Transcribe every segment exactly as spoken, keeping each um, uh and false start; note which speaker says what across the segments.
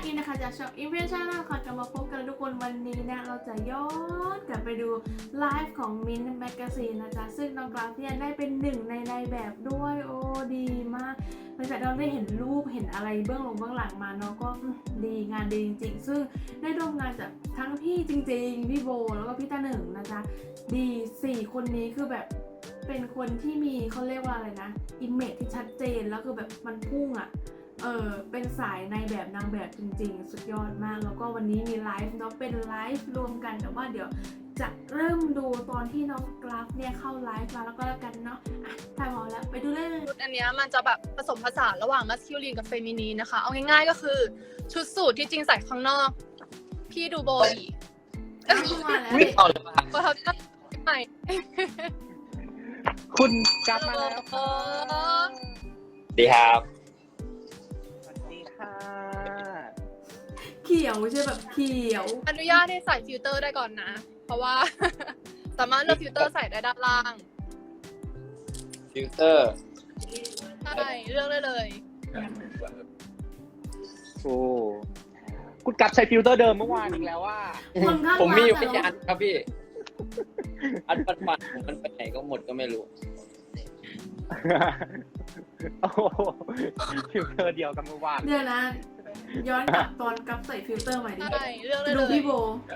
Speaker 1: กี้นะคะจากช่อง Impression นะคะกลับมาพบกันทุกคนวันนี้นะเราจะย้อนกลับไปดูไลฟ์ของ Mint Magazine นะจ๊ะซึ่งน้องกราฟเนี่ยได้เป็นหนึ่งในในแบบด้วยโอ้ดีมากหลังจากเราได้เห็นรูปเห็นอะไรเบื้องหลังเบื้องหลังมาเนาะก็ดีงานดีจริงๆซึ่งได้ร่วมงานจากทั้งพี่จริงๆพี่โบแล้วก็พี่ตาหนึ่งนะจ๊ะดีสี่คนนี้คือแบบเป็นคนที่มีเขาเรียกว่าอะไรนะอิมเมจที่ชัดเจนแล้วคือแบบมันพุ่งอ่ะเออเป็นสายในแบบนางแบบจริงๆสุดยอดมากแล้วก็วันนี้มีไลฟ์เนาะเป็นไลฟ์รวมกันแต่ว่าเดี๋ยวจะเริ่มดูตอนที่น้องกราฟเนี่ยเข้าไลฟ์มาแล้วก็แล้วกันเนาะอ่ะถ่ายพอแล้วไปดูเลย
Speaker 2: ชุดอันเนี้ยมันจะแบบผสมผสานระหว่างมัสคิลินกับเฟมินีนนะคะเอาง่ายๆก็คือชุดสูทที่จริงใส่ข้างนอกพี่ดูโบดี
Speaker 1: มาแล้ว
Speaker 3: ไม่ต่อเลยครับ
Speaker 2: เพราะเขาจะใหม่
Speaker 4: คุณกลับมาแล้ว
Speaker 2: เออ
Speaker 3: ดีครับ
Speaker 4: สวัสดีค่ะ
Speaker 1: เขียวใช่แบบเขียว
Speaker 2: อนุญาตให้ใส่ฟิลเตอร์ได้ก่อนนะ เพราะว่า สามารถเลือกฟิลเตอร์ใส่ได้ด้านล่าง
Speaker 3: ฟิลเตอร์
Speaker 2: ใช่เลือกได้เลย
Speaker 4: โอ้คุณกลับใช้ฟิลเตอร์เดิมเมื่อวานอีกแล้วว่า
Speaker 1: คนข้าง
Speaker 3: ผมมีอยู่
Speaker 1: ร้า
Speaker 3: ไม่
Speaker 1: น
Speaker 3: กี่
Speaker 1: อะ
Speaker 3: อันครับพี่ อันปันปันๆมันไปไหนก็หมดก็ไม่รู้
Speaker 4: โอ้โหฟิลเตอร์เดียวกับเมื่อวาน
Speaker 1: เดี๋ยวนะ ย้อนกลับตอนกลับใส่ฟิลเตอร์ใหม่ดิ
Speaker 2: ใช่เลือกได้
Speaker 1: ดู
Speaker 2: เลย
Speaker 1: พี่โบ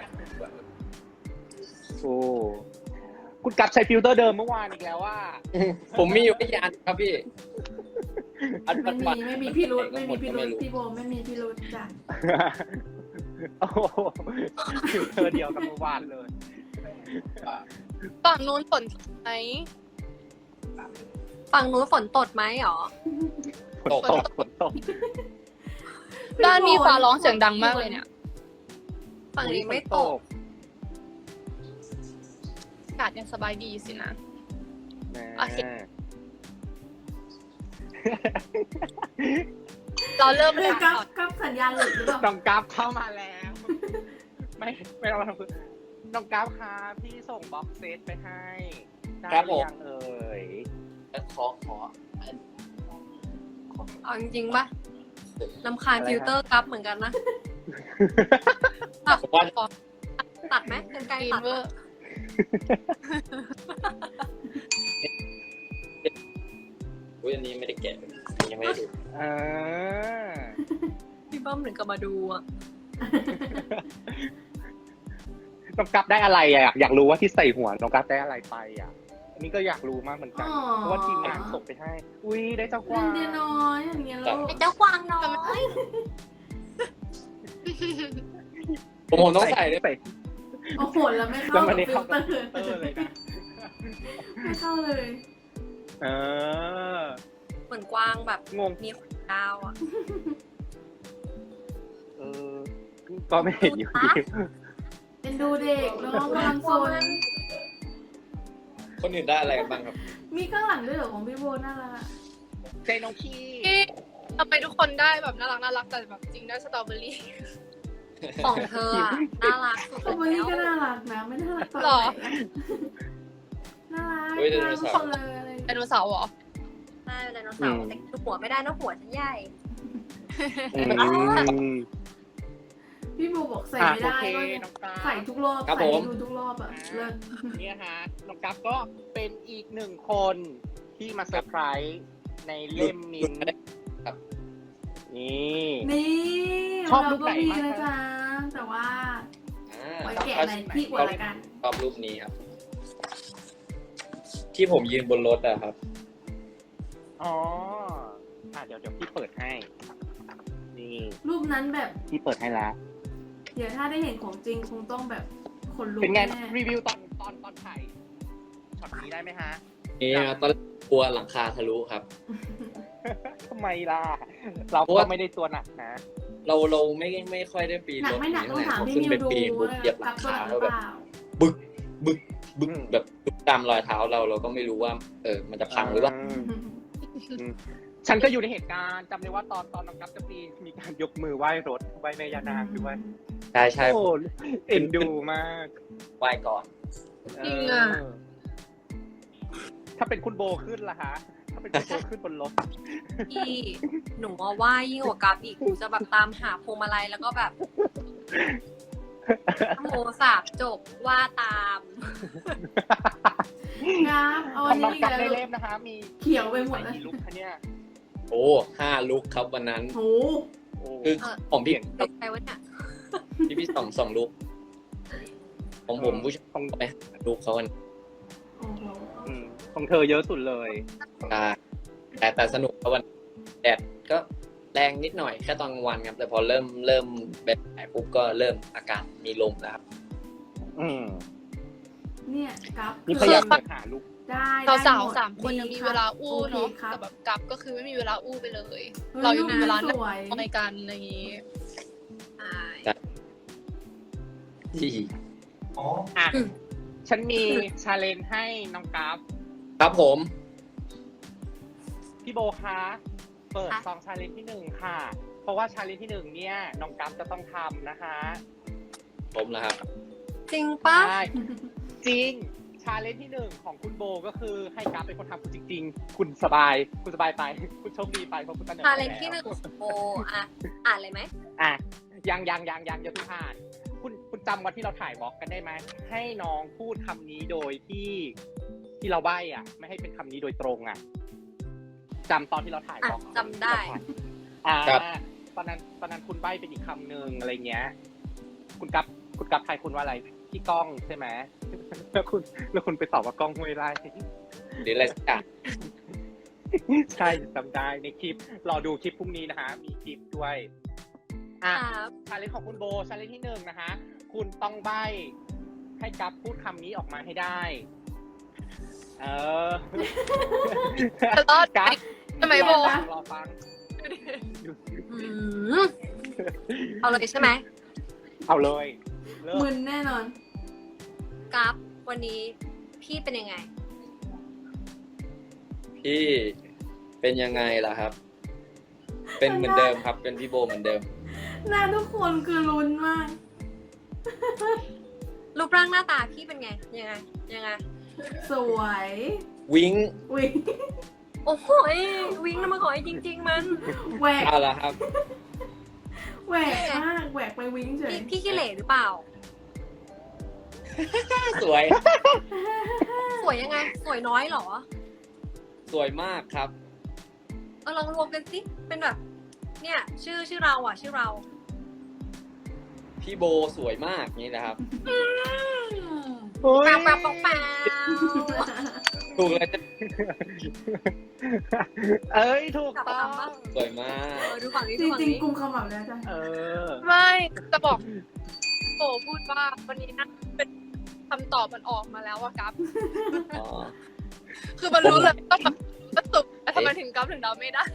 Speaker 4: โอ้คุณกลับใช้ฟิลเตอร์เดิมเมื่อวานอีกแล้วว่า
Speaker 3: ผมมีอยู่ไม่กี่อันครับพี่ อันปั
Speaker 1: ไม่
Speaker 3: นปั
Speaker 1: มี
Speaker 3: น
Speaker 1: ไม่มีพี่รุธไม่มีพี่รุธ
Speaker 3: รู้
Speaker 1: พี่โบไม่มีพี่รุธจ้ะ
Speaker 4: โอ้โหฟิลเตอร์เดียวกับเมื่อวานเลย
Speaker 2: ฝั่งนู้นฝนไหม
Speaker 5: ฝั่งนู้นฝนตดไหมหรอ
Speaker 4: ฝนตกฝนตก
Speaker 2: ด้านนี้ฟ้าร้องเสียงดังมากเลยเนี่ย
Speaker 5: ฝั่งนี้ไม่ตก
Speaker 2: อากาศยังสบายดีสินะ
Speaker 4: แหม
Speaker 2: โอเค เราเริ่ม
Speaker 1: เฮ้
Speaker 2: เลย ย
Speaker 1: กลับ
Speaker 2: ก่อน
Speaker 1: กลับสัญญาณหลุดหรือเปล่า
Speaker 4: น้องกราฟเข้ามาแล้ว ไม่ไม่ต้องมาทำคือน้องกราฟคะพี่ส่งบ็อกเซตไปให้ได้
Speaker 3: ครับ
Speaker 4: ห
Speaker 3: ผ
Speaker 4: รือ
Speaker 3: ม
Speaker 4: ยังเอ่ย
Speaker 3: ขอขออัน
Speaker 5: เอาจริงๆปะลำคาญฟิลเตอร์กราฟเหมือนกันนะ
Speaker 3: ผมว่า
Speaker 5: ตัดไหมกันไกล
Speaker 2: ฟี
Speaker 5: ตัด
Speaker 2: เวอ
Speaker 5: ปะ
Speaker 2: ร์
Speaker 3: อุ้ยอันนี้ไม่ได้แกะยังไม่ได้ดู
Speaker 4: เออ
Speaker 5: พี่เบิ้มถึงกับมาดูอ่ะ
Speaker 4: น้องกราฟได้อะไรอ่ะอยากรู้ว่าที่ใส่หัวน้องกราฟได้อะไรไปอ่ะอันนี้ก็อยากรู้มากเหมือนกัน
Speaker 1: อ๋อ
Speaker 4: เพราะว่าทีมงานส่งไปให้ อุ้ยได้เจ้าก
Speaker 1: เล่
Speaker 4: วาน ง
Speaker 1: เดียวน้อยอย่างเงี้ยลูก
Speaker 5: ไอ้เจ้ากวางน้อย
Speaker 3: ผมผมต้องใส่ด้วย
Speaker 4: ใส่
Speaker 1: โอ้โหแล้วไม่
Speaker 4: แล้
Speaker 1: เข้าว
Speaker 4: มั
Speaker 1: กัน บ
Speaker 4: ได้
Speaker 1: ฟิ
Speaker 4: เข้า
Speaker 1: ลเต
Speaker 4: กั
Speaker 1: อบ ร์
Speaker 4: ฟิลเตอร์เลยนะ
Speaker 1: ไม่เข้าเลย
Speaker 4: เออ
Speaker 5: เหมือนกวางแบบ
Speaker 4: งง
Speaker 5: มีขนดาวอ่ะ
Speaker 4: เออ ก็ไม่เห็นอยู่ดี
Speaker 1: เป็นดูเด็กน้องกำลังโซน
Speaker 3: คนอื่นได้อะไรกันบ้างครับ
Speaker 1: มีข้างหลังด้วยเหรอของพี่โบน่ารักอะ
Speaker 4: ใจน้องขี้
Speaker 2: ที่ทำไมทุกคนได้แบบน่ารักน่ารักแต่แบบจริงได้สตรอเบอรี่
Speaker 5: ของเธออ่ะน่ารักสุด
Speaker 1: คอมเบอรี่ก็
Speaker 5: แล้ว
Speaker 1: น่ารักนะไม่น่ารักตอน
Speaker 2: หร
Speaker 1: ไหน
Speaker 2: อ
Speaker 1: อะน่ารัก
Speaker 3: เฮ้ยไดโน
Speaker 1: น่ารักทุก
Speaker 3: เสา
Speaker 1: ค
Speaker 3: ร์
Speaker 1: นเลยอะไร
Speaker 2: ไดโนเสาร์เหรอ
Speaker 5: ใช่ไดโนเสาร์แต่ดูหัวไม่ได้นะหัวฉันใหญ่
Speaker 4: อืม
Speaker 1: พี่โบบอกใส่
Speaker 4: อ่ะ
Speaker 1: ไม่
Speaker 4: โอ
Speaker 1: ได้
Speaker 4: เค
Speaker 1: ก็
Speaker 4: น้องกราฟ
Speaker 1: ใส่ทุกรอบ
Speaker 3: ครับ
Speaker 1: ใส่
Speaker 3: ผม
Speaker 1: ให้ดูทุกรอบอะเลิศ
Speaker 4: เนี่ยฮะน้องกัฟก็เป็นอีกหนึ่งคนที่มาเซอร์ไพรส์ในเล่มมินท์นี่
Speaker 1: นี่
Speaker 4: ชอบ
Speaker 1: เรา
Speaker 4: รูป
Speaker 1: ก็
Speaker 4: ไหน
Speaker 1: มี
Speaker 4: มาก
Speaker 1: นะ
Speaker 4: คะ
Speaker 1: จ๊ะแต่ว่า
Speaker 3: อ่า
Speaker 1: ไว้แกะในที่อวดละกัน
Speaker 3: ชอบรูปนี้ครับ ที่ผมยืนบนรถอะครับ
Speaker 4: อ๋ออ่ะเดี๋ยวเดี๋ยวพี่เปิดให้ นี่
Speaker 1: รูปนั้นแบบ
Speaker 4: พี่เปิดให้แล้ว
Speaker 1: เดี๋ยวถ้าได้เห็นของจริงคงต้องแบบขนลุก
Speaker 4: เป็นไง
Speaker 1: แน่
Speaker 4: รีวิวตอนตอนตอนถ่ายช็อตนี้ได้ไหมฮะ
Speaker 3: นี่ครับตอนแรกกลัวหลังคาทะลุครับ
Speaker 4: ทำไมล่ะ เรา
Speaker 3: เพราะ
Speaker 4: ก็
Speaker 3: ว่า
Speaker 4: ไม่ได้ตัวหนักนะ
Speaker 3: เราเราไม่ไม่ค่อยได้ปีน
Speaker 1: หนั
Speaker 3: ร
Speaker 1: ก
Speaker 3: ถ
Speaker 1: ไม่หนักต้องถาม
Speaker 3: พอ
Speaker 1: พี่
Speaker 3: ขึ้น
Speaker 1: มิว
Speaker 3: ไป
Speaker 1: ดู
Speaker 3: ปีนปุ๊บเหยียบหลั
Speaker 1: กั
Speaker 3: ง
Speaker 1: บตัว
Speaker 3: คา
Speaker 1: หนักห
Speaker 3: แล้
Speaker 1: รื
Speaker 3: ว
Speaker 1: อ
Speaker 3: แบบ
Speaker 1: เปล่า
Speaker 3: บึกบึกบึก
Speaker 4: อืม
Speaker 3: แบบบึกตามรอยเท้าเราเราก็ไม่รู้ว่า เออ มันจะพังหรือเปล่า
Speaker 4: ฉันก็อยู่ในเหตุการณ์จำได้ว่าตอนตอนน้องกัฟจะปีนมีการยกมือไหว้รถไหว้แม่ยานางด้วย
Speaker 3: ใช่ใช่
Speaker 4: โอ้เอ็นดูมาก
Speaker 3: ไหว้ก่อน
Speaker 2: จริงอะ
Speaker 4: เออถ้าเป็นคุณโบขึ้นล่ะฮะถ้าเป็นคนโตขึ้นบนรถ
Speaker 5: พี่หนูว่าว่ายิ่งกว่ากับอีกหนูจะแบบตามหาพวงมาลัยแล้วก็แบบโมสาบจบว่าตาม
Speaker 1: งับเอาอัน
Speaker 4: ทำน้
Speaker 1: นี้
Speaker 4: อง
Speaker 1: อีก
Speaker 4: กับ
Speaker 1: แล้ว
Speaker 4: ในเล่มนะคะ มี
Speaker 1: เขียวไปหมดเลย
Speaker 4: กี่ลุกคะเนี่ย
Speaker 3: โอ้ห้าลุกครับวันนั้น
Speaker 1: โห
Speaker 4: โอ้
Speaker 3: คือของพี่
Speaker 5: เด็กใครวะเนี่ย
Speaker 3: พี่พี่สองสองลุกของผมผู้ชายต้องไปหาลุกเขาวัน
Speaker 1: โอ้โห
Speaker 4: อืมของเธอเยอะสุดเลย
Speaker 3: อ่าแต่แต่สนุกครับวันแดดก็แรงนิดหน่อยแค่ตอนกลางวันครับ แต่พอเริ่มเริ่มแบบไหนปุ๊บก็เริ่มอากาศมีลมแล้วครับ
Speaker 4: อืม
Speaker 1: เนี่ยกับ
Speaker 4: นี่พยายามจะหาลุก
Speaker 1: ได้
Speaker 2: เรา
Speaker 1: ได้
Speaker 2: สาว
Speaker 1: หด
Speaker 2: สามคนยังมีเวลาอู้
Speaker 1: โค
Speaker 2: เนาะ
Speaker 1: ครับ
Speaker 2: แต่แบบกับก็คือไม่มีเวลาอู้ไปเลย
Speaker 1: ฮ้ย
Speaker 2: เรายังมีเวลา
Speaker 1: รูป
Speaker 2: นั่ง
Speaker 1: สวย
Speaker 2: ในการอะไรอย่างงี้
Speaker 5: อ่า
Speaker 3: ที่
Speaker 4: อ่ะ ฉันมีชาเลนจ์ให้น้องกราฟ
Speaker 3: ครับผม
Speaker 4: พี่โบคะเปิดซองชาเลนจ์ที่หนึ่งค่ะ เพราะว่าชาเลนจ์ที่หนึ่งเนี่ยน้องกราฟจะต้องทำนะคะ
Speaker 3: ผมนะครับ
Speaker 5: จริงปะ
Speaker 4: ใช่จริงชาเลนจ์ที่หนึ่งของคุณโบก็คือให้กราฟเป็นคนทำคุณจริงๆ คุณสบาย คุณสบายไป คุณโชคดีไปเพราะคุณตัน
Speaker 5: ชาเลนจ์ที่หนึ่งโออ่ะอ่านเลยไหม
Speaker 4: อ่ะยังยังยังยังอย่าเพิ่งอ่าน คุณคุณจำวันที่เราถ่ายบล็อกกันได้ไหมให้น้องพูดคำนี้โดยที่ที่เราใบ้อ่ะ ไม่ให้เป็นคำนี้โดยตรงอ่ะจำตอนที่เราถ่ายบล็อก
Speaker 5: อ่ะจำได้
Speaker 4: อ่า
Speaker 3: ครับ
Speaker 4: ตอนนั้นตอนนั้นคุณใบ้เป็นอีกคำหนึ่งอะไรเงี้ย คุณกับคุณกับทายคุณว่าอะไรพี่ก้องใช่ไหม แล้วคุณแล้วคุณไปตอบว่ากล้องห้วยไร่
Speaker 3: หรืออะไรสักอย่าง
Speaker 4: ใช่จำได้ในคลิปรอดูคลิปพรุ่งนี้นะคะ มีคลิปด้วยอ่ะ
Speaker 5: ครับ
Speaker 4: ชาเลนจ์ของคุณโบชาเลนจ์ที่หนึ่งนะคะ คุณต้องใบ้ให้กัฟพูดคำนี้ออกมาให้ได้ เออ
Speaker 2: จะรอดไหม
Speaker 4: กัฟ
Speaker 2: ทำไมโบ
Speaker 4: รอฟัง
Speaker 5: อืมเอาเลยใช่ไหม
Speaker 4: เอาเลยเริ่ม
Speaker 1: มึนแน่นอน
Speaker 5: กราฟวันนี้พี่เป็นยังไง
Speaker 3: พี่เป็นยังไงล่ะครับ เป็นเหมือนเดิมครับ เป็นพี่โบเหมือนเดิม
Speaker 1: หน้าทุกคนคือลุ้นมาก
Speaker 5: รูปร่างหน้าตาพี่เป็นไง ยังไง ยังไง
Speaker 1: สวย
Speaker 3: วิ้ง
Speaker 1: วิง
Speaker 5: โอ้โหยวิ่งน้ำมันหอยจริง ๆ มัน
Speaker 1: แหวก
Speaker 3: เอาละครับ
Speaker 1: แหวกมากแหวกไปวิงเฉย
Speaker 5: พี่พี่ขี้เหร่หรือเปล่า
Speaker 3: สวย
Speaker 5: สวยยังไง สวยน้อยเหรอ
Speaker 3: สวยมากครับ
Speaker 5: เออลองรวมกันสิ เป็นแบบ เนี่ย ชื่อชื่อเราอ่ะ ชื่อเรา
Speaker 3: พี่โบสวยมากนี่นะครับ
Speaker 4: โอ้ย
Speaker 5: แปลวแปลวแปลวแปลว
Speaker 3: ถูกเลยจะ
Speaker 4: เอ้ยถูกต้อง
Speaker 3: สวยมา
Speaker 5: เอก อดูฝั่งนี้
Speaker 1: จ
Speaker 5: ดูฝั่ง
Speaker 1: ริง
Speaker 5: นี้
Speaker 1: ๆกุมขมับแล้วจ้ะ
Speaker 4: เออ
Speaker 2: ไม่จะบอกโบพูดว่าวันนี้นะเป็นคำตอบมันออกมาแล้วอะกับ
Speaker 3: อ๋อ
Speaker 2: คือมันรู้เลยต้องแบบมันสุกแต่ทำไมถึงกับถึงเราไม่ได้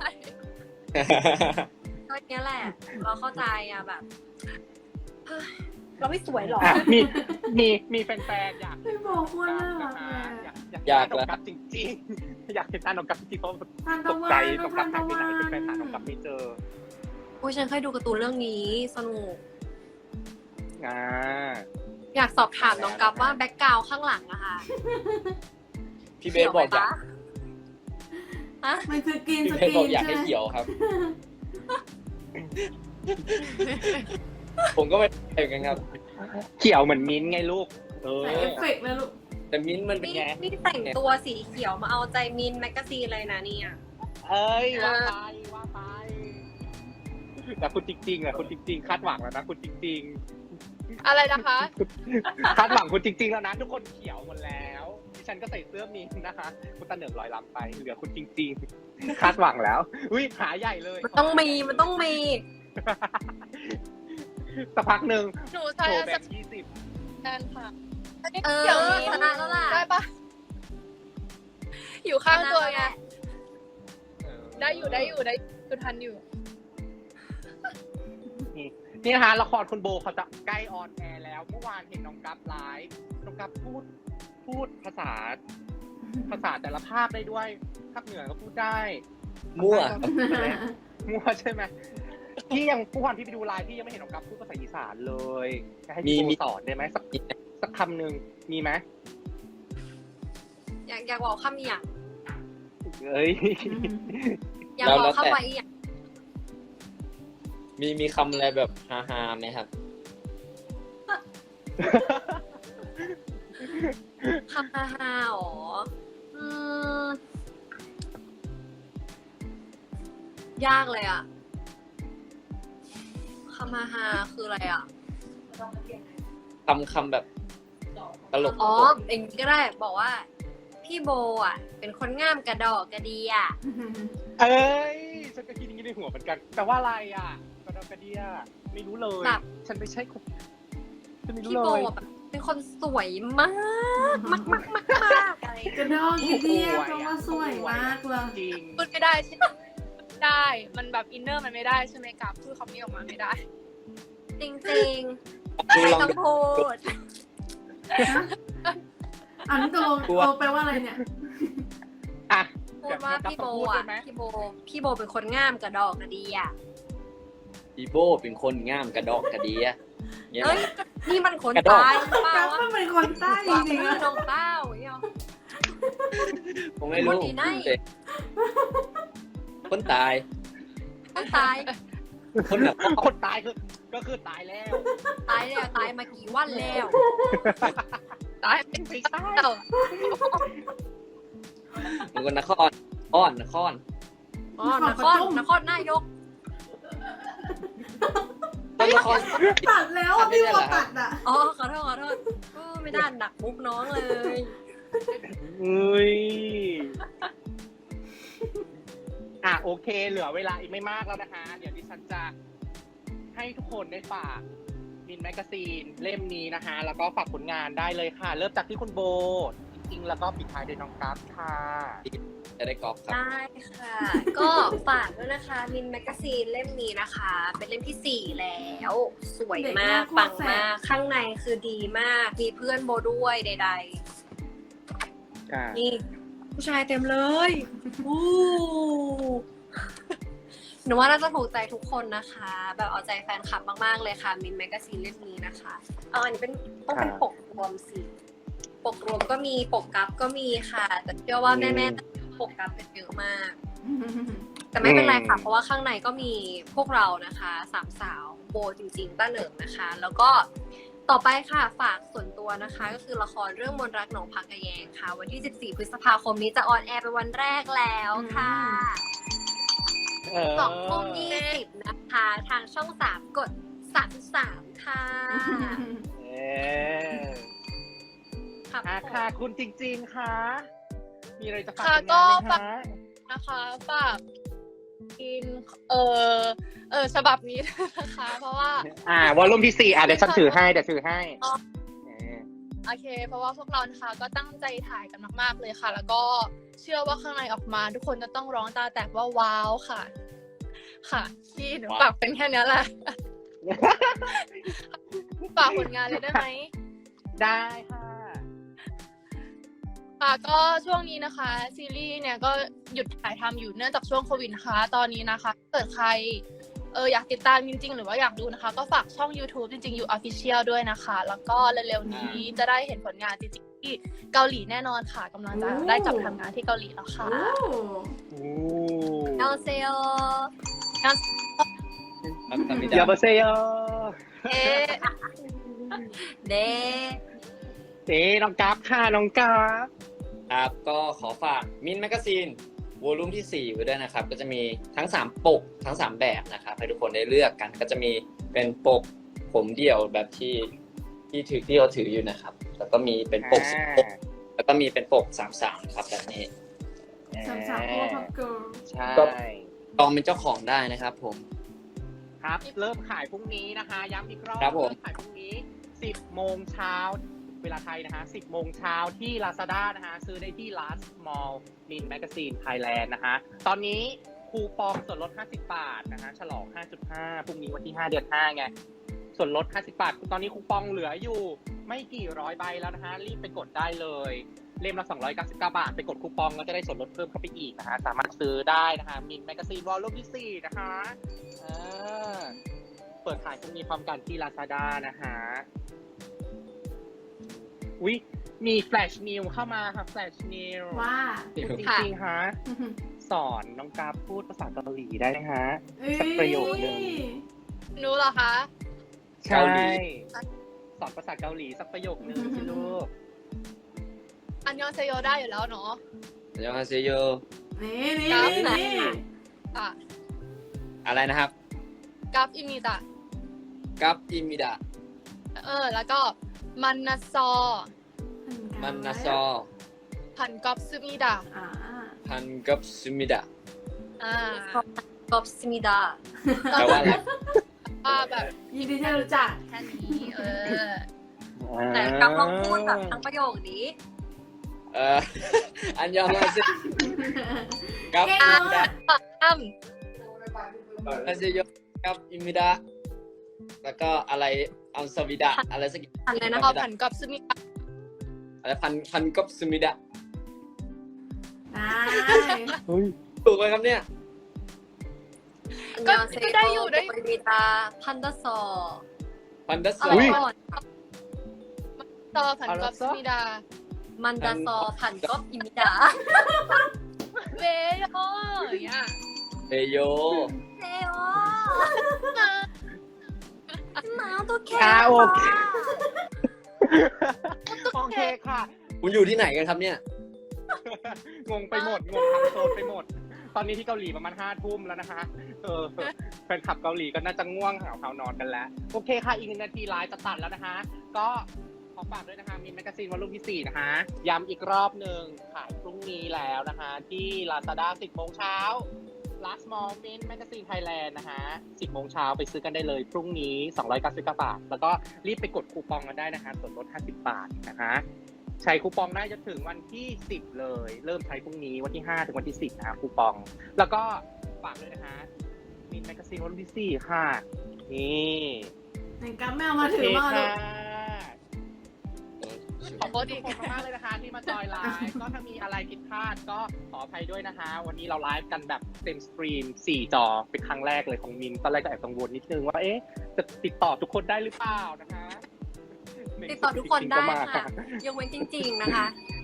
Speaker 5: ก็เนี้ยแหละ เราเข้าใจอ่ะแบบเฮ้ยเราไม่สวยหรอ
Speaker 4: อ่ะมีมีมีแฟนๆอยาก
Speaker 1: พี่บอกว่าน่ารัก
Speaker 4: นะ
Speaker 1: เล
Speaker 4: คะ
Speaker 1: ย
Speaker 4: อยากอยากเห็นน้องกับจริงๆ อยากเห็นหน้าน้องกับจริงๆเพราะ
Speaker 1: ทาน
Speaker 4: ต
Speaker 1: ตะ
Speaker 4: ก
Speaker 1: วั
Speaker 4: ใจ
Speaker 1: น
Speaker 4: น้อง
Speaker 1: ทา
Speaker 4: กับ
Speaker 1: น
Speaker 4: หาย
Speaker 1: ตะ
Speaker 4: ไป
Speaker 1: วั
Speaker 4: ไหนเป็นแฟนหาน้อง
Speaker 1: น
Speaker 4: กับไม่เจอ
Speaker 5: โอ้ยฉันเคยดูการ์ตูนเรื่องนี้สนุก
Speaker 4: อ่า
Speaker 5: อยากสอบถามน้องกัฟว่าแบ็กกราวด์ข้างหลังอะค่ะ
Speaker 3: พี่เบสบอกอยาก
Speaker 5: ฮะ
Speaker 1: มันคือกิน
Speaker 3: พี่
Speaker 1: ส
Speaker 3: เบส
Speaker 1: กิ
Speaker 3: บอก
Speaker 1: น
Speaker 3: อยาก
Speaker 1: ใช่
Speaker 3: ให้
Speaker 1: ไหม
Speaker 3: เขียวครับ ผมก็ไม่ได้เหมือนกันครับ
Speaker 4: เขียวเหมือนมิ้นท์ไงลูก เออ
Speaker 1: ใส่เอฟเฟกต์เลยลูก
Speaker 3: แต่มิ้นท์มันเป็น
Speaker 5: นี่
Speaker 3: ไง
Speaker 5: นี่แต่งตัวสีเขียวมาเอาใจมินแมกกาซีนเลยนะเนี่ย
Speaker 4: เอ้ยว่าไปว่าไปแต่คุณจริงๆอ่ะคุณจริง ๆ คาดหวังแล้วนะคุณจริง
Speaker 2: อะไรนะคะ
Speaker 4: ๆ คาดหวังคุณจริง ๆ แล้วนะทุกคนเขียวหมดแล้วดิฉันก็ใส่เสื้อมิ้นท์นะคะ คุณตาเหนืองลอยลำไปเหลือคุณจริง ๆ คาดหวังแล้วอุ้ยหาใหญ่เลย
Speaker 5: มันต้องมีมันต้องมี
Speaker 4: สักพักหนึ่ง
Speaker 2: หนู
Speaker 4: โช
Speaker 2: ใช้
Speaker 4: ว์แบ
Speaker 2: สั
Speaker 4: บ
Speaker 2: ก
Speaker 4: ยี่สิบ
Speaker 2: แทนค่ะอันนี้
Speaker 5: เออ
Speaker 2: เดี๋ยว
Speaker 5: ชนะแล้วล่ะ
Speaker 2: ได้ปะอยู่ข้างตัวไงได้อยู่ได้อยู่ได้คือทันอยู่
Speaker 4: นี่นะคะละครคุณโบเขาจะใกล้ออนแอร์แล้ว เมื่อวานเห็นน้องกัฟไลฟ์น้องกัฟพูดพูดภาษา ภาษาแต่ละภาคได้ด้วยภาคเหนือก็พูดได้
Speaker 3: มั่ว
Speaker 4: มั่วใช่ไหมพี่ยังผู้วันที่ไปดูไลฟ์พี่ยังไม่เห็นน้องกัฟพูดภาษาอีสานเลยจะให้พี่
Speaker 3: มี
Speaker 4: โบสอนได้ไหมสักสักคำหนึ่งมีไหม
Speaker 5: อยากอยากบอกคำอย่าง
Speaker 4: เอ้ย
Speaker 5: อยาก
Speaker 3: แล้ว
Speaker 5: บอ
Speaker 3: แล้
Speaker 5: ก
Speaker 3: ว
Speaker 5: เข้า
Speaker 3: แต่
Speaker 5: ไปอีกอย่าง
Speaker 3: มีมีคำอะไรแบบฮาๆไหมครับ
Speaker 5: คำฮาฮาๆอ๋ออืมยากเลยอะคำฮาฮาคืออะไรอะ
Speaker 3: คำคำแบบตลก
Speaker 5: อ๋อเองก็ได้บอกว่า พี่โบอ่ะ เป็นคนง่ามกระดอกกระเดีอ่ะ
Speaker 4: เอ้ยฉันก็คิดอย่างนี้ในหัวเหมือนกันแต่ว่าอะไรอ่ะกระดอกกระเดียไม่รู้เลย
Speaker 5: แบบ
Speaker 4: ฉันไม่ใช่คนฉันไม่รู้
Speaker 5: พี่
Speaker 4: เล
Speaker 5: โบ
Speaker 4: ย
Speaker 5: แบบเป็นคนสวยมากมากมากมากมากอะไร
Speaker 1: กระดองกระเดียเพราะว่าสวยมากเลย
Speaker 4: จริง
Speaker 2: พูดไม่ได้ใช่ไหมได้ มันแบบอินเนอร์มันไม่ได้ใช่ไหมกับพูดคำนี้ออกมาไม่ได้
Speaker 5: จริงจริงๆ
Speaker 3: ดู
Speaker 5: ไม่
Speaker 3: ลอง
Speaker 5: ต้อง
Speaker 3: ดู
Speaker 5: พูด
Speaker 1: อันนี้ตกลง
Speaker 3: กลัว
Speaker 1: โอแปลว่าอะไรเนี่ย
Speaker 4: อ่ะ
Speaker 5: พูดว่าพี่โบ
Speaker 4: พูด
Speaker 5: อ่ะ
Speaker 4: ได้ไหม
Speaker 5: พี่โบพี่โบเป็นคนง่ามกระดอกกระเดีอ่ะ
Speaker 3: อีโบเป็นคนง่ามกระดอกกระเดียเนี่ย
Speaker 5: เอ้ยนี่มันคน
Speaker 3: กระดอก
Speaker 5: ตายหรือเปล่า
Speaker 1: กัฟ
Speaker 5: วะ
Speaker 1: มันเป็นคนใต้จ
Speaker 5: ว่า
Speaker 1: ริ
Speaker 5: เป็น
Speaker 1: งๆอะ
Speaker 5: น้องเต้าอย่างเงี้ย
Speaker 3: ผมไม่รู้
Speaker 5: คนที่ไหน
Speaker 3: คนตาย
Speaker 5: ต้องตาย
Speaker 3: คนแบบ
Speaker 4: คนตายคือก็คือตายแล้ว
Speaker 5: ตายแล้วตายมากี่วันแล้ว
Speaker 2: ตายเป็นไปได้
Speaker 3: เป็นคนนครอ้อนนคร
Speaker 5: อ๋อนครนครนายก
Speaker 3: ต้นนคร
Speaker 1: ตัดแล้วอะพี่โบตัดอ่ะ
Speaker 5: อ๋อขอโทษขอโทษโอ้ไม่ได้หนักมุกน้องเลย
Speaker 4: เอ้ยอ่ะโอเค เหลือเวลาอีกไม่มากแล้วนะคะ เดี๋ยวดิฉันจะให้ทุกคนได้ฝากมินแมกกาซีนเล่มนี้นะคะ แล้วก็ฝากผลงานได้เลยค่ะ เริ่มจากที่คุณโบจริงๆแล้วก็ปิดท้ายด้วยน้องกัฟค่ะ
Speaker 3: จะได้กอล์ฟครับ
Speaker 5: ได้ค่ะ ก็ฝากด้วยนะคะมินแมกกาซีนเล่มนี้นะคะ เป็นเล่มที่สี่แล้ว สวยมากปังมากข้างในคือดีมาก มีเพื่อนโบด้วยใด
Speaker 4: ค่ะ
Speaker 5: ๆ นี่ผู้ชายเต็มเลยอู้หนูว่าน่าจะถูกใจทุกคนนะคะ แบบเอาใจแฟนคลับมากๆเลยค่ะมินแมกกาซีนเล่มนี้นะคะเอาอันนี้เป็นต้องเป็นปกรวมสิปกรวมก็มีปกกัฟก็มีค่ะ แต่เชื่อว่าแม่ๆปกกัฟเป็นเยอะมาก แต่ไม่เป็นไรค่ะ เพราะว่าข้างในก็มีพวกเรานะคะสามสาวโบจริงๆต้าเหนิงนะคะ แล้วก็ต่อไปค่ะฝากส่วนตัวนะคะ ก็คือละครเรื่องมนต์รักหนองพักกระแยงค่ะ วันที่สิบสี่พฤษภาคมนี้จะออนแอร์เป็นวันแรกแล้วค่ะ
Speaker 4: เออ
Speaker 5: สองทุ่มยี่สิบนะคะ ทางช่องสามกดสามสามค่ะ
Speaker 4: เออ
Speaker 5: ครับ
Speaker 4: อ่ะ
Speaker 5: ผม
Speaker 4: ค่ะ คุณจริงๆค่ะ มีอะไรจะฝาก
Speaker 2: ค่ะ
Speaker 4: ผลงานไหม
Speaker 2: ก็ฝาก
Speaker 4: คะ
Speaker 2: นะคะฝากกินเออเออฉบับนี้นะคะ เพราะว่า
Speaker 4: อ่าวอลลุ่มที่สี่อ่ะเดี๋ยวฉันถือให้เดี๋ยวถือให้
Speaker 2: อ๋อ
Speaker 4: เออ
Speaker 2: โอเค เพราะว่าพวกเรานะคะก็ตั้งใจถ่ายกันมากๆเลยค่ะ แล้วก็เชื่อว่าข้างในออกมา ทุกคนจะต้องร้องตาแตกว่าว้าวค่ะ ค่ะที่หนูฝากเป็นแค่นี้แหละ ฝากผลงานเลยได้ไหม
Speaker 4: ได้ค่ะ
Speaker 2: ค่ะก็ช่วงนี้นะคะ ซีรีส์เนี่ยก็หยุดถ่ายทำอยู่เนื่องจากช่วงโควิดนะคะ ตอนนี้นะคะเกิดใครเอออยากติดตามจริงๆ หรือว่าอยากดูนะคะ ก็ฝากช่อง YouTube จริงๆ อยู่ Official ด้วยนะคะ แล้วก็เร็วๆนี้จะได้เห็นผลงานจริงๆที่เกาหลีแน่นอนค่ะกำลังจะได้กลับทำงานที่เกาหลีแล้วค่ะ
Speaker 1: โอ้
Speaker 4: โอ้
Speaker 5: เอลเซล
Speaker 3: ครับทำไม่ได้
Speaker 4: ยาบาเซโย
Speaker 2: เอ๊ะ
Speaker 5: เด
Speaker 4: เอ๊ะน้องกัฟค่ะน้องกัฟ
Speaker 3: ครับก็ขอฝากมินแมกกาซีนวอลุ่มที่สี่ไว้ด้วยนะครับ ก็จะมีทั้งสามปกทั้งสามแบบนะครับให้ทุกคนได้เลือกกัน ก็จะมีเป็นปกผมเดี่ยวแบบที่ที่ถือที่เราถืออยู่นะครับ แล้วก็มีเป็นปกสิบปกแล้วก็มีเป็นปกสามสามครับแบบนี้
Speaker 1: สามสาวพ่อพับเกิร์ล
Speaker 4: ใช่
Speaker 3: ลองเป็นเจ้าของได้นะครับผม
Speaker 4: ครับ เริ่มขายพรุ่งนี้นะคะ ย้ำอีกรอบ
Speaker 3: ครับผม
Speaker 4: เริ่มขายพรุ่งนี้สิบโมงเช้าเวลาไทยนะคะสิบโมงเช้าที่ Lazada นะคะซื้อได้ที่ Last Mall Min Magazine Thailand นะคะตอนนี้คูปองส่วนลดห้าสิบบาทนะคะฉลอง ห้าจุดห้า พรุ่งนี้วันที่ห้าเดือนห้าไงส่วนลดห้าสิบบาทตอนนี้คูปองเหลืออยู่ไม่กี่ร้อยใบแล้วนะคะรีบไปกดได้เลยเล่มละสองร้อยเก้าสิบเก้าบาทไปกดคูปองแล้วจะได้ส่วนลดเพิ่มเข้าไปอีกนะคะสามารถซื้อได้นะคะ Min Magazine Volume ที่สี่นะคะอ่าเปิดขายพรุ่งนี้พร้อมกันที่ Lazada นะคะอุ๊ยมีแฟลชนิวเข้ามาค่ะแฟลชนิว
Speaker 1: ว่า
Speaker 4: จริงๆฮะสอนน้องกราฟพูดภาษาเกาหลีได้ไหมฮะ สักประโยคนึง
Speaker 2: หนูเหรอคะ
Speaker 4: ใช่สอนภาษาเกาหลีสักประโยคนึงสิลูก
Speaker 2: อันยองเซโยได้อยู่แล้วเนาะ
Speaker 3: อันยองฮาเซโย
Speaker 1: นี่นี่
Speaker 2: ครับ
Speaker 1: นี่
Speaker 2: อ่ะ
Speaker 3: อะไรนะครับ
Speaker 2: กัฟอิมิตะ
Speaker 3: กับอิมิดะ
Speaker 2: เออ แล้วก็มันนาซอ
Speaker 3: มันนาซอ
Speaker 2: พันกอบซึมิดะ
Speaker 1: อ่า
Speaker 3: พันกับซึมิดะ
Speaker 2: อ่า
Speaker 5: ขอบสมิดา
Speaker 3: แปลว่าอะไร
Speaker 2: ว่าแบบ
Speaker 1: ยินดีที่รู้จัก
Speaker 2: แค่นี้เออ
Speaker 5: แต่กับลองพูดแบบทั้งประโยคนี้
Speaker 3: เอ่อ อันยองฮาเซกับ
Speaker 1: เก่ง
Speaker 3: อิ
Speaker 1: มาก
Speaker 3: มิดะ
Speaker 2: อ้ำ
Speaker 3: ฮาเซโยกับอิมิดะแล้วก็อะไรอัลซาวิดะอะไรสักอย่าง
Speaker 5: อะไรนะ
Speaker 2: เอาพันกอบซึมิดะ
Speaker 3: อะไรพันพันกับซึมิดะ
Speaker 1: ได้
Speaker 4: เฮ้ย
Speaker 3: ถูกไหมครับเนี่ย
Speaker 2: ก็ก็ได้อยู่ได้
Speaker 5: สมิดาพันดาซอ
Speaker 3: พันดัส
Speaker 5: อะ
Speaker 3: ซ
Speaker 5: ไร
Speaker 3: อ
Speaker 5: ก่อน
Speaker 2: ต่อพันกอบซึมิดะ
Speaker 5: มันดาซอพันก็อิมิดา
Speaker 2: เวโยอย่างเงี้ย
Speaker 3: เฮโย
Speaker 5: เฮ้โอหนาวตัวแข็
Speaker 4: อ่าโอเค
Speaker 5: ค่ะ
Speaker 4: โอเคค่ะ
Speaker 3: คุณอยู่ที่ไหนกันครับเนี่ย
Speaker 4: งงไปหมด งงทั้งโซนไปหมด ตอนนี้ที่เกาหลีประมาณห้าทุ่มแล้วนะคะ เออแฟนคลับเกาหลีก็น่าจะง่วงหาวเขานอนกันแล้ว โอเคค่ะ อีกหนึ่งนาทีไลฟ์จะตัดแล้วนะคะ ก็ขอฝากด้วยนะคะ มินแมกกาซีนวอลลุ่มที่สี่นะคะ ย้ำอีกรอบหนึ่งขายพรุ่งนี้แล้วนะคะ ที่ Lazada สิบโมงเช้า Last Mall Min Magazine Thailand นะคะสิบโมงเช้าไปซื้อกันได้เลย พรุ่งนี้สองร้อยเก้าสิบเก้าบาท แล้วก็รีบไปกดคูปองกันได้นะคะ ส่วนลดห้าสิบบาทนะคะ ใช้คูปองได้จนถึงวันที่สิบเลย เริ่มใช้พรุ่งนี้วันที่ห้าถึงวันที่สิบนะคะคูปอง แล้วก็ฝากด้วยนะคะมินแมกกาซีนวันที่สี่ค่ะ นี่
Speaker 1: ไหนกับแมวมาถือมา
Speaker 4: โอเค
Speaker 1: ลู
Speaker 4: ค่ะ
Speaker 1: ก
Speaker 4: ขอบคุณทุกคนมากๆเลยนะคะที่มาจอยไลฟ์ ก็ถ้ามีอะไรผิดพลาดก็ขออภัยด้วยนะคะ วันนี้เราไลฟ์กันแบบเต็มสตรีมสี่จอเป็นครั้งแรกเลยของมิน ตอนแรกก็แอบกังวลนิดนึงว่าเอ๊ะจะติดต่อทุกคนได้หรือเปล่านะคะ
Speaker 5: ติดต่อทุกคนได้
Speaker 4: จริงๆก็มา
Speaker 5: ค่ะยกเว้นจริง ๆ นะคะ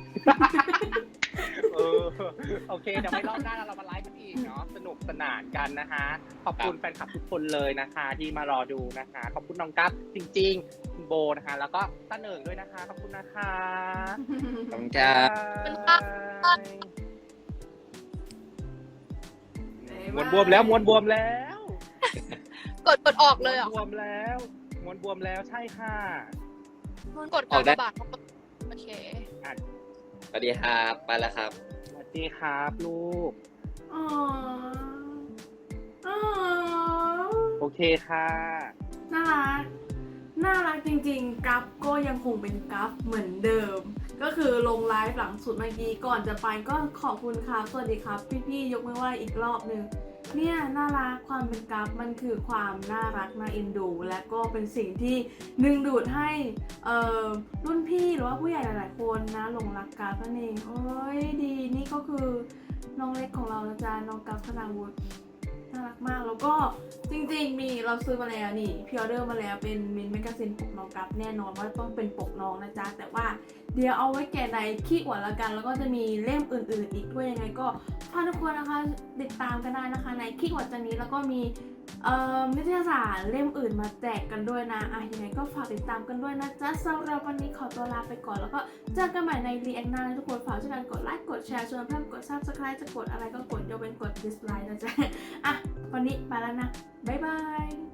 Speaker 4: เออโอเคเดี๋ยวไว้รอบหน้าเรามาไลฟ์กันอีกเนาะสนุกสนานกันนะคะ ขอบคุณแฟนคลับทุกคนเลยนะคะ ที่มารอดูนะคะ ขอบคุณน้องกั๊บจริงๆคุณโบนะคะ แล้วก็ต้าเหนิงด้วยนะคะขอบคุณนะคะ
Speaker 3: ขอบคุณครับ
Speaker 4: มวนบวมแล้วมวนบวมแล้ว
Speaker 2: กดกดออกเลยเหร
Speaker 4: ม้
Speaker 2: อ่ะ
Speaker 4: วนบวมแล้วม้วนบวมแล้วใช่ค่ะ
Speaker 2: กดกดบาทโอเค
Speaker 3: สวัสดีครับไปแล้วครับ
Speaker 4: สวัสดีครับลูก
Speaker 1: อ๋ออ๋อ
Speaker 4: โอเคค่ะ
Speaker 1: น่ารัก น่ารักจริงๆกัฟก็ยังคงเป็นกัฟเหมือนเดิม ก็คือลงไลฟ์หลังสุดเมื่อกี้ก่อนจะไปก็ขอบคุณครับ สวัสดีครับ พี่ๆยกมือไหว้อีกรอบหนึ่งเนี่ยน่ารักความเป็นกัฟมันคือความน่ารักน่าเอ็นดู และก็เป็นสิ่งที่ดึงดูดให้เอ่อรุ่นพี่หรือว่าผู้ใหญ่หลายๆคนนะหลงรักกัฟนั่นเองโอ้ยดีนี่ก็คือน้องเล็กของเรานะจ๊ะน้องกัฟธนาวุฒิน่ารักมากแล้วก็จริงๆมีเราซื้อมาแล้วนี่พิออเดอร์มาแล้วเป็นมินแมกกาซีนปกน้องกัฟแน่นอนว่าต้องเป็นปกน้องนะจ๊ะแต่ว่าเดี๋ยวเอาไว้แกะในขี้อวดละกันแล้วก็จะมีเล่มอื่นๆอีกด้วยยังไงก็ฝากทุกคนนะคะติดตามกันได้นะคะในขี้อวดจันนี้แล้วก็มีเอ่อนิตยสารเล่มอื่นมาแจกกันด้วยนะอ่ะยังไงก็ฝากติดตามกันด้วยนะจ๊ะสำหรับวันนี้ขอตัวลาไปก่อนแล้วก็เจอกันใหม่ในรีแอคหน้านะทุกคนฝากช่วยกันกดไลค์กดแชร์ชวนเพื่อนกด ซับสไครบ์ จะกดอะไรก็กดยกเว้นกด ดิสไลค์ นะจ๊ะอ่ะวันนี้ไปแล้วนะบ๊ายบาย